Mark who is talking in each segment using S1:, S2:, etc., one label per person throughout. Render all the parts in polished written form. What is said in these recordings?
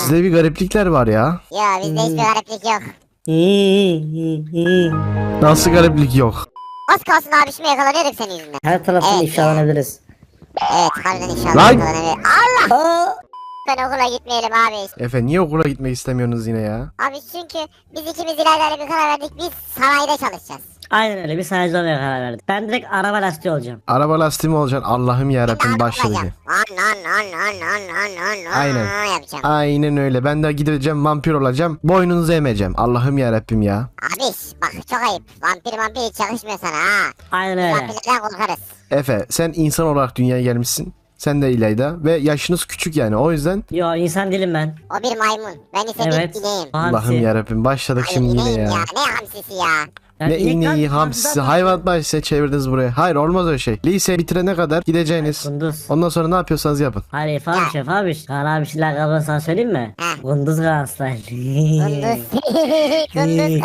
S1: Sizde bir gariplikler var ya.
S2: Ya bizde hiçbir gariplik yok.
S1: Nasıl gariplik yok?
S2: Az kalsın abişime yakalanıyorduk senin yüzünden.
S3: Her taraftan
S2: Evet.
S3: ifşalanabiliriz.
S2: Evet harbiden inşallah
S1: Lan!
S2: yakalanabilir. Allah!
S3: Aa!
S2: Ben okula gitmeyelim abi.
S1: Efe niye okula gitmek istemiyorsunuz yine ya?
S2: Abi çünkü biz ikimiz ileride bir karar verdik. Biz sanayide çalışacağız.
S3: Aynen öyle, bir sanayici olmaya karar verdik. Ben direkt araba lastiği olacağım.
S1: Araba lastiği mi olacaksın? Allah'ım yarabbim başladı.
S2: An
S1: Aynen.
S2: yapacağım.
S1: Aynen öyle. Ben de gideceğim vampir olacağım. Boynunuzu emeceğim. Allah'ım yarabbim ya.
S2: Abiş bak çok ayıp. Vampir hiç çalışmıyor sana ha.
S3: Aynen öyle.
S2: Vampirlerden korkarız.
S1: Efe sen insan olarak dünyaya gelmişsin. Sen de İlayda ve yaşınız küçük yani o yüzden
S3: Yo, insan değilim ben.
S2: O bir maymun. Ben ise
S3: Evet.
S2: bir ineğim.
S3: Hamsi.
S1: Allah'ım yarabbim başladık
S2: Hayır
S1: şimdi yine
S2: ineğim
S1: ya.
S2: ya. Ne hamsisi ya.
S3: Ya
S1: Ne
S3: inek
S1: ineği
S3: lan,
S1: hamsisi
S3: hamsiden-
S1: hayvan bahçesi çevirdiniz buraya. Hayır olmaz öyle şey. Lise bitirene kadar gideceğiniz.
S3: Kunduz.
S1: Ondan sonra ne yapıyorsanız yapın.
S3: Hayır Efe abi, Şef abi. Kaan abi şeyler kabını sana söyleyeyim mi?
S2: Heh.
S3: Kunduz Galatasaraylı.
S2: Kunduz. Kunduz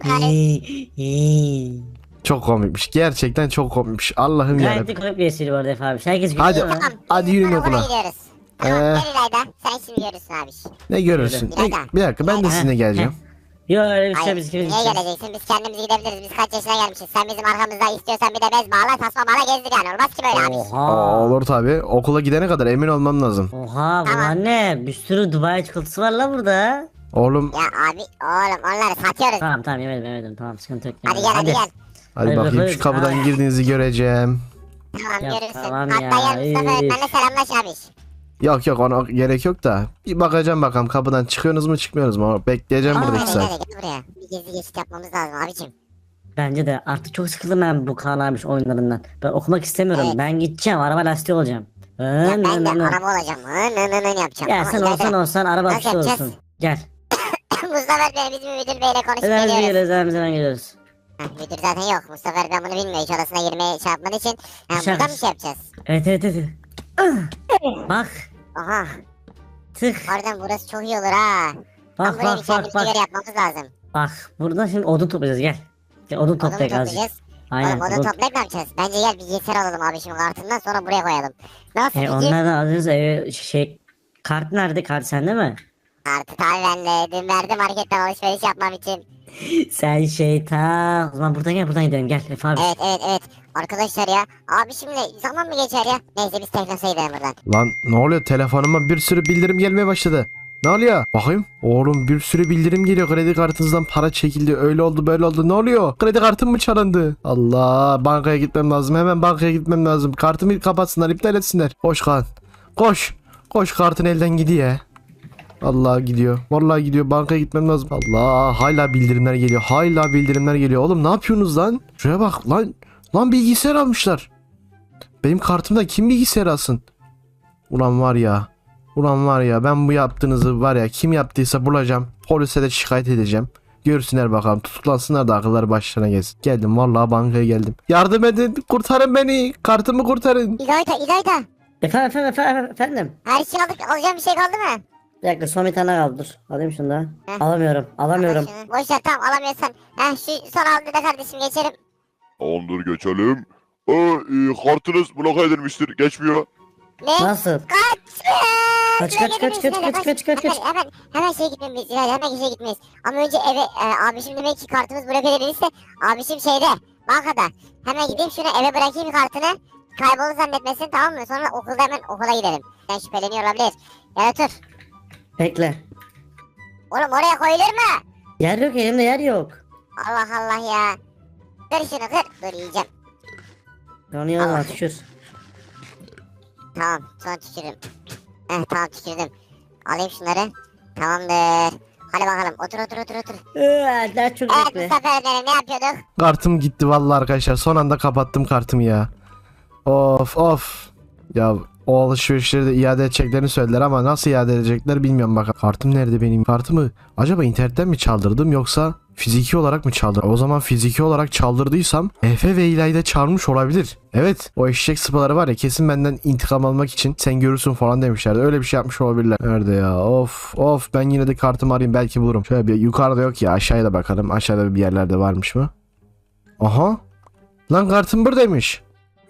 S2: Galatasaray.
S1: Çok komikmiş. Gerçekten çok komikmiş. Allah'ım
S3: Gayet de
S1: yarabbim.
S3: komik bir espri bu arada Efe abi. Herkes
S1: Hadi.
S3: gülüyor mu?
S2: Tamam.
S1: Hadi
S2: biz
S1: yürüyün
S2: okula
S1: okula.
S2: gidiyoruz. Tamam
S1: Ee.
S2: gel İlayda. Sen şimdi görürsün abiş.
S1: Ne görürsün?
S2: Öyle.
S1: Bir dakika ben de sizinle geleceğim.
S3: Yo öyle bir şey,
S2: Hayır.
S3: biz ikimiz
S2: Niye
S3: gideceğiz.
S2: geleceksin? Biz kendimiz gidebiliriz. Biz kaç yaşına gelmişiz. Sen bizim arkamızda istiyorsan bir de bez bağla, tasma bağla gezdir yani. Olmaz ki böyle abiş.
S3: Oha.
S1: Olur tabi. Okula gidene kadar emin olmam lazım.
S3: Oha
S2: Tamam.
S3: bunlar ne? Bir sürü Dubai çikolatası var la burada.
S1: Oğlum
S2: Ya abi oğlum onları satıyoruz.
S3: Tamam yemedim tamam, sıkıntı yok.
S2: Hadi gel hadi gel.
S1: hadi
S3: Hadi
S1: bakayım
S3: bakalım.
S1: şu kapıdan girdiğinizi göreceğim.
S2: Tamam
S3: Ya
S2: görürsün.
S3: tamam
S2: Hatta
S3: ya,
S2: gel Mustafa
S3: üf.
S2: öğretmenle selamlaş abiş.
S1: Yok ona gerek yok da. Bir bakacağım bakalım kapıdan çıkıyorsunuz mu çıkmıyorsunuz mu? Bekleyeceğim burada
S2: Hadi
S1: 2
S2: gel
S1: saat.
S2: hadi gel buraya. Bir gezi geçit yapmamız lazım abicim.
S3: Bence de artık çok sıkıldım ben bu Kaan abi oyunlarından. Ben okumak istemiyorum.
S2: Evet.
S3: Ben gideceğim, araba lastiği olacağım.
S2: Ya ben de araba olacağım. Yapacağım.
S3: Ya
S2: Ama
S3: sen
S2: ileride-
S3: olsan araba
S2: Nasıl
S3: lastiği
S2: yapacağız?
S3: olsun. Gel.
S2: Mustafa öğretmen bizim müdür beyle konuşup
S3: Hemen
S2: geliyoruz.
S3: geliyoruz, hemen geliyoruz.
S2: Heh, müdür zaten yok. Mustafa öğretmen bunu bilmiyor. Hiç odasına girmeye şey yapmadığı için.
S3: Dışarı.
S2: Buradan bir şey yapacağız.
S3: Evet. Bak.
S2: Oha.
S3: Tık.
S2: Harbiden burası çok iyi olur ha.
S3: Bak
S2: Buraya bir
S3: bak
S2: kendimize
S3: bak
S2: göre
S3: bak.
S2: yapmamız lazım.
S3: Bak buradan şimdi odun toplayacağız, gel. Gel odun
S2: Odun mu
S3: toplayalım azıcık.
S2: toplayacağız?
S3: Aynen.
S2: Oğlum odun toplayıp ne yapacağız? Bence gel bilgisayar alalım abi şimdi kartından sonra buraya koyalım. Nasıl fikir?
S3: Onlardan alırız eve kart nerede? Kart sende mi?
S2: Artık abi ben de dün verdim marketten alışveriş yapmam için.
S3: Sen şeytan. O zaman buradan gidelim, gel Efe abi.
S2: Evet. Arkadaşlar ya. Abi şimdi zaman mı geçer ya? Neyse biz teknosaya gidelim buradan.
S1: Lan ne oluyor telefonuma bir sürü bildirim gelmeye başladı. Ne oluyor? Bakayım. Oğlum bir sürü bildirim geliyor. Kredi kartınızdan para çekildi. Öyle oldu böyle oldu. Ne oluyor? Kredi kartım mı çalındı? Allah bankaya gitmem lazım. Hemen bankaya gitmem lazım. Kartımı kapatsınlar iptal etsinler. Koş kan. Koş. Koş kartın elden gidiyor. Allah gidiyor. Vallahi gidiyor. Bankaya gitmem lazım. Allah hala bildirimler geliyor. Hala bildirimler geliyor. Oğlum ne yapıyorsunuz lan? Şuraya bak lan. Lan bilgisayar almışlar. Benim kartımda kim bilgisayar alsın? Ulan var ya. Ulan var ya ben bu yaptığınızı var ya kim yaptıysa bulacağım. Polise de şikayet edeceğim. Görsünler bakalım tutuklansınlar da akılları başlarına gelsin. Geldim vallahi bankaya geldim. Yardım edin kurtarın beni. Kartımı kurtarın.
S2: İlayda.
S3: Efendim.
S2: Her şey aldık. Alacağım bir şey kaldı mı?
S3: Bir dakika, son bir tane kaldı, dur. Alayım şunu da.
S2: Heh.
S3: Alamıyorum.
S2: Al şunu. Boş ver tamam alamıyorsan. Şu son aldı da kardeşim geçelim.
S4: Tamamdır geçelim. Kartınız bloke edilmiştir. Geçmiyor.
S2: Ne?
S3: Nasıl? Kaç,
S2: Hemen şey gitmemiz. Hemen şey gitmeyiz. Ama önce eve abişim demek ki kartımız bloke edilirse abişim şeyde bankada. Hemen gideyim şunu eve bırakayım kartını. Kaybolur zannetmesin tamam mı? Sonra okulda hemen okula gidelim. Ben şüpheleniyor olabilir. Ya otur.
S3: Bekle.
S2: Oğlum oraya koyulur mu?
S3: Yer yok, elimde yer yok.
S2: Allah Allah ya. Kır şunu kır. Dur yiyeceğim.
S3: Onu yana tükür.
S2: Tamam sonra tükürürüm. Tamam tükürdüm. Alayım şunları. Tamamdır. Hadi bakalım otur.
S3: Daha çok
S2: Evet
S3: bekle.
S2: Mustafa öğretmenim ne yapıyorduk?
S1: Kartım gitti vallahi arkadaşlar. Son anda kapattım kartımı ya. Of. Ya o alışverişleri de iade edeceklerini söylediler ama nasıl iade edecekler bilmiyorum bakalım. Kartım nerede benim? Kartımı acaba internetten mi çaldırdım yoksa fiziki olarak mı çaldırdım? O zaman fiziki olarak çaldırdıysam Efe ve İlayda çalmış olabilir. Evet o eşek sıpaları var ya kesin benden intikam almak için sen görürsün falan demişlerdi. Öyle bir şey yapmış olabilirler. Nerede ya? Of ben yine de kartımı arayayım belki bulurum. Şöyle bir yukarıda yok ya aşağıya da bakalım. Aşağıda bir yerlerde varmış mı? Aha. Lan kartım buradaymış.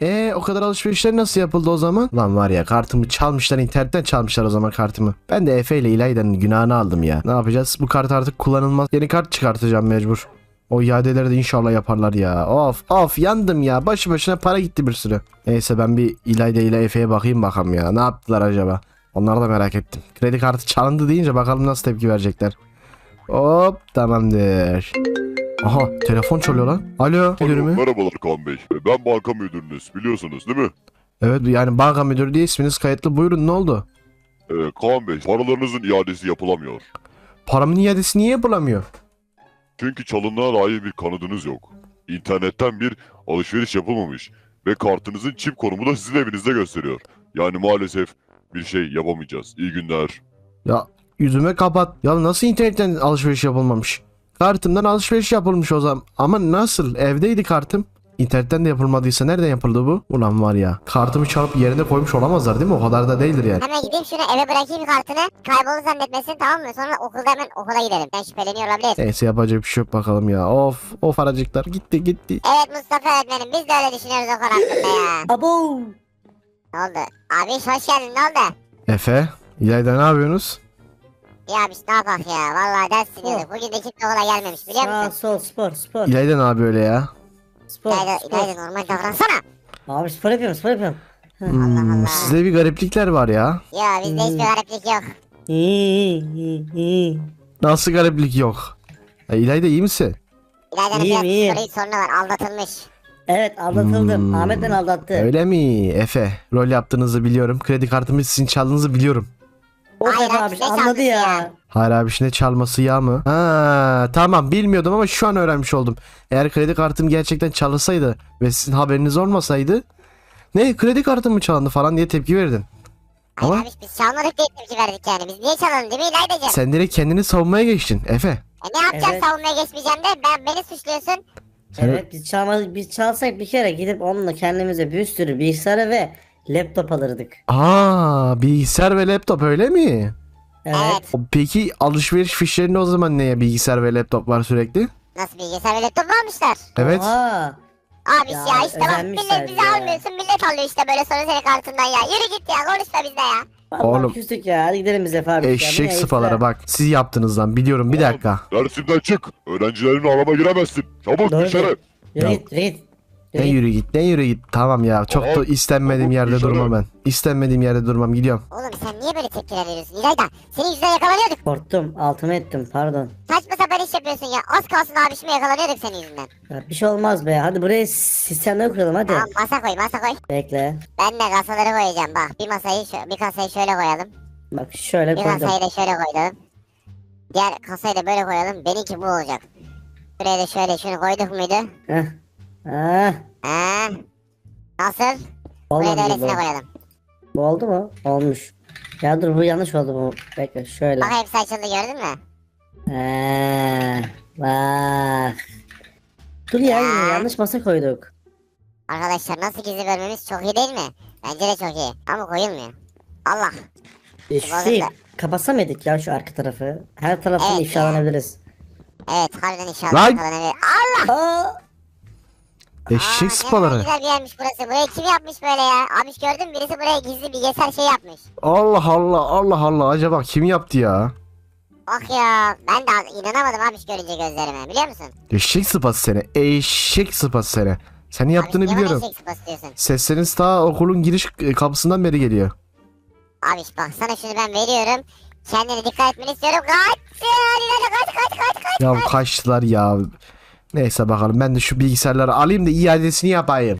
S1: O kadar alışverişler nasıl yapıldı o zaman? Lan var ya, kartımı çalmışlar, internetten çalmışlar o zaman kartımı. Ben de Efe ile İlayda'nın günahını aldım ya. Ne yapacağız? Bu kart artık kullanılmaz. Yeni kart çıkartacağım mecbur. O iadeleri de inşallah yaparlar ya. Of yandım ya. Başı başına para gitti bir sürü. Neyse ben bir İlayda ile Efe'ye bakayım bakalım ya. Ne yaptılar acaba? Onları da merak ettim. Kredi kartı çalındı deyince bakalım nasıl tepki verecekler. Hop, tamamdır. Aha, telefon çalıyor lan. Alo, müdür
S4: Alo,
S1: mü?
S4: merhabalar Kaan Bey. Ben banka müdürünüz, biliyorsunuz değil mi?
S1: Evet, yani banka müdürü diye isminiz kayıtlı. Buyurun, ne oldu?
S4: Kaan Bey, paralarınızın iadesi yapılamıyor.
S1: Paramın iadesi niye yapılamıyor?
S4: Çünkü çalındığına dair bir kanıtınız yok. İnternetten bir alışveriş yapılmamış ve kartınızın çip konumu da sizin evinizde gösteriyor. Yani maalesef bir şey yapamayacağız. İyi günler.
S1: Ya yüzüme kapat. Ya nasıl internetten alışveriş yapılmamış? Kartımdan alışveriş yapılmış o zaman. Ama nasıl? Evdeydi kartım. İnternetten de yapılmadıysa nereden yapıldı bu? Ulan var ya, kartımı çalıp yerine koymuş olamazlar değil mi? O kadar da değildir yani.
S2: Hemen gideyim şunu eve bırakayım kartını. Kayboldu zannetmesin, tamam mı? Sonra okulda hemen okula gidelim. Ben şüpheleniyor olabilir.
S1: Neyse, yapacak bir şey yok bakalım ya. Of aracıklar gitti.
S2: Evet Mustafa öğretmenim, biz de öyle düşünüyoruz o konu hakkında ya.
S3: Abo.
S2: Ne oldu? Abi hoş geldin, ne oldu?
S1: Efe, İlayda, ne yapıyorsunuz?
S2: Ya abi ne yapak ya, vallahi ders dinliyorduk. Bugün de kimse okula gelmemiş biliyor
S3: Sağ
S2: musun?
S3: sol spor.
S1: İlayda ne yapıyor öyle ya?
S3: Spor.
S2: İlayda normal davransana.
S3: Abi spor yapıyorum.
S2: Allah.
S1: Sizde bir gariplikler var ya.
S2: Ya bizde hiçbir gariplik yok.
S3: İyi.
S1: Nasıl gariplik yok? İlayda, iyi misin?
S2: İlayda'nın
S3: İyiyim,
S2: biraz
S3: iyiyim.
S2: psikolojik sorunu var, aldatılmış.
S3: Evet aldatıldım. Ahmet beni aldattı.
S1: Öyle mi? Efe, rol yaptığınızı biliyorum. Kredi kartımı sizin çaldığınızı biliyorum.
S3: O
S2: Hayır,
S3: kadar
S2: abi,
S3: abi
S2: ne
S3: anladı
S2: çaldısı
S3: ya.
S2: ya?
S1: Hayır abi, şimdi çalması ya mı? Ha, tamam, bilmiyordum ama şu an öğrenmiş oldum. Eğer kredi kartım gerçekten çalınsaydı ve sizin haberiniz olmasaydı, ne kredi kartım mı çalındı falan diye tepki verdin.
S2: Hayır
S1: Ama
S2: abi biz çalmadık diye tepki verdik yani. Biz niye çalalım değil mi İlayda'cığım?
S1: sen direkt kendini savunmaya geçtin Efe.
S2: Ne yapacağım,
S3: Evet.
S2: savunmaya geçmeyeceğim de beni suçluyorsun.
S1: Sen-
S3: Evet biz çalsak bir kere gidip onunla kendimize bir sürü bilgisayarı ve laptop alırdık.
S1: Bilgisayar ve laptop, öyle mi?
S3: Evet.
S1: Peki alışveriş fişlerinde o zaman neye bilgisayar ve laptop var sürekli?
S2: Nasıl bilgisayar ve laptop mu almışlar?
S1: Evet.
S3: Oha.
S2: Abi
S3: Ya,
S2: ya işte bak,
S3: özenmişler
S2: millet bizi
S3: ya.
S2: almıyorsun, millet alıyor işte böyle sonra senin kartından ya. Yürü git ya, konuşma bizde ya.
S3: Vallahi
S1: Oğlum.
S3: küstük ya. Hadi gidelim bize Fabrika.
S1: Eşek sıfalara bak. Siz yaptınız lan, biliyorum, bir dakika.
S4: Dersimden çık. Öğrencilerin arama giremezsin. Çabuk
S3: Doğru.
S4: dışarı.
S3: Yürü
S1: Ya.
S3: git.
S1: Ne yürü git. Tamam ya, çok da
S4: Tamam.
S1: istenmediğim
S4: Tamam,
S1: yerde
S4: dışarı.
S1: durmam ben. İstenmediğim yerde durmam, gidiyorum.
S2: Oğlum sen niye böyle tepkiler veriyorsun İlayda? Senin yüzünden yakalanıyorduk.
S3: Korktum. Altıma ettim. Pardon.
S2: Saçma sapan iş yapıyorsun ya. Az kalsın abişime yakalanıyorduk senin yüzünden.
S3: Ya, bir şey olmaz be. Hadi buraya sistemleri kuralım hadi.
S2: Tamam masa koy.
S3: Bekle.
S2: Ben de kasaları koyacağım bak. Bir kasayı şöyle koyalım.
S3: Bak şöyle
S2: Bir
S3: koydum.
S2: kasayı da şöyle koyalım. Diğer kasayı da böyle koyalım. Benimki bu olacak. Buraya da şöyle şunu koyduk muydu?
S3: Heh. Ah.
S2: Nasıl? Buraya
S3: Olmadı
S2: da
S3: bu.
S2: öylesine koyalım.
S3: Bu oldu mu? Olmuş. Ya dur bu yanlış oldu bu. Bekle şöyle.
S2: Bak hepsi açıldı, gördün mü?
S3: Bak. Dur ya yine yanlış masa koyduk.
S2: Arkadaşlar nasıl gizli bölmemiz çok iyi değil mi? Bence de çok iyi. Ama koyulmuyor. Allah.
S3: Şey, kapatsa mıydık ya şu arka tarafı? Her taraftan
S2: Evet
S3: ifşalanabiliriz.
S2: Evet harbiden inşallah
S1: Lan!
S2: yakalanabilir. Allah!
S3: Aa!
S1: Eşek
S2: Ne kadar
S1: sıpaları.
S2: güzel bir yermiş burası. Burayı kim yapmış böyle ya? Abi gördün mü? Birisi buraya gizli bilgisayar şey yapmış.
S1: Allah, acaba kim yaptı ya?
S2: Bak ya, ben de inanamadım abi görünce gözlerime, biliyor musun?
S1: Eşek sıpası seni. Eşek sıpası seni. Senin yaptığını
S2: Abi, niye bana
S1: biliyorum.
S2: eşek sıpası diyorsun?
S1: Sesleriniz ta okulun giriş kapısından beri geliyor.
S2: Abi bak sana şunu ben veriyorum. Kendine dikkat etmeni istiyorum. Kaç! Kaç!
S1: Ya kaçtılar ya. Neyse bakalım, ben de şu bilgisayarları alayım da iadesini yapayım.